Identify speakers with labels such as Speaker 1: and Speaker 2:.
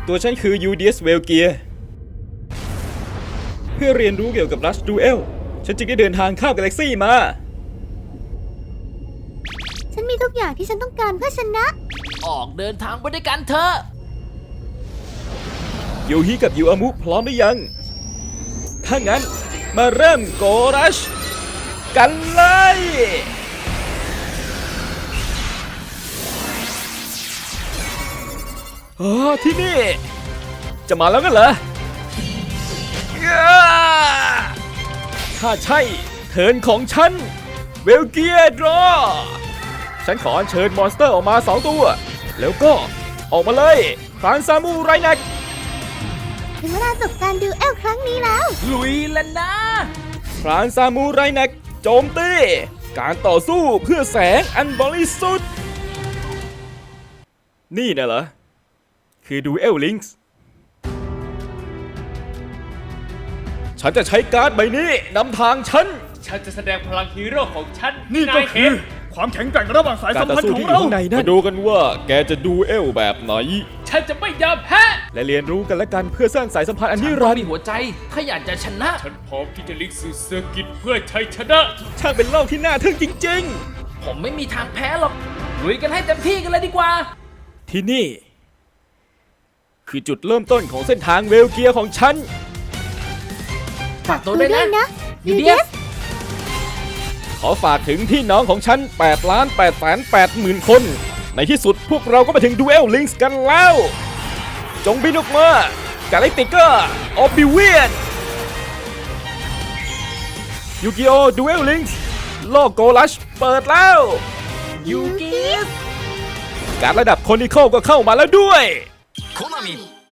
Speaker 1: ตัวฉันคือ UDS เวลเกียเพื่อเรียนรู้เกี่ยวกับ Rush Duel ฉันจึงได้เดินทางข้ามกาแล็กซี่มา
Speaker 2: ฉันมีทุกอย่างที่ฉันต้องการเพื่อชนะ
Speaker 3: ออกเดินทางไปด้วยกันเถอะ
Speaker 1: โยฮิกับยูอามุพร้อมหรือยัง ถ้างั้นมาเริ่มโกรัชกันเลยอ๋อที่นี่ จะมาแล้วกันเหรอ ถ้าใช่เทิร์นของฉันเวลเกียดรอฉันขออัญเชิญมอนสเตอร์ออกมา2ตัว แล้วก็ออกมาเลยครานซามูไรนัก
Speaker 2: ถึงเวลาจบการดูเอลครั้งนี้แล้ว
Speaker 3: ลุยแล้วนะ
Speaker 1: ครานซามูไรนักโจมตีการต่อสู้เพื่อแสงอันบริสุทธิ์นี่นะเหรอ คือดูเอลลิงส์ฉันจะใช้การ์ดใบนี้นำทางฉัน
Speaker 4: ฉันจะแสดงพลังฮีโร่ของฉัน
Speaker 5: นี่ก็คือความแข็งแกร่งระหว่างสาย
Speaker 1: การ
Speaker 5: สัม
Speaker 1: ต่อ
Speaker 5: พันธ์
Speaker 1: สู้
Speaker 5: ของ
Speaker 1: ที่อยู่
Speaker 5: เรา
Speaker 1: ข้างในนั้นมาดูกันว่าแกจะดูเอลแบบไหน
Speaker 4: ฉันจะไม่ยอมแพ้
Speaker 1: และเรียนรู้กันและกันเพื่อสร้างสายสัมพันธ์อันนิ
Speaker 3: ฉัน
Speaker 1: รั
Speaker 3: ต้อน ง
Speaker 1: ด
Speaker 3: มี
Speaker 1: ร์
Speaker 3: หัวใจ ถ้าอยากจะชนะ
Speaker 4: ฉันพร้อมที่จะลิกสู่เซอร์กิตเพื่อชัยชนะ
Speaker 1: ช่างเป็นโลกที่น่าทึ่งจริง
Speaker 3: ผมไม่มีทางแพ้หรอก ลุยกันให้เต็มที่กันเลยดีกว่า
Speaker 1: ๆ ที่นี่ คือจุดเริ่มต้นของเส้นทางเวลเกียของฉัน
Speaker 3: ฝากตัวด้วยนะ
Speaker 2: นะ
Speaker 3: ยูเดียส
Speaker 1: ขอฝากถึงพี่น้องของฉัน 8,880,000 คน ในที่สุดพวกเราก็มาถึงดูเอลลิงส์กันแล้ว จงบินออกมากาแล็กติกเกอร์ออฟบิเวียนยูกิโอดูเอลลิงส์โลกโกลัชเปิดแล้ว
Speaker 3: ยูกิส
Speaker 1: การระดับคอนิคอลก็เข้ามาแล้วด้วย
Speaker 6: コナミ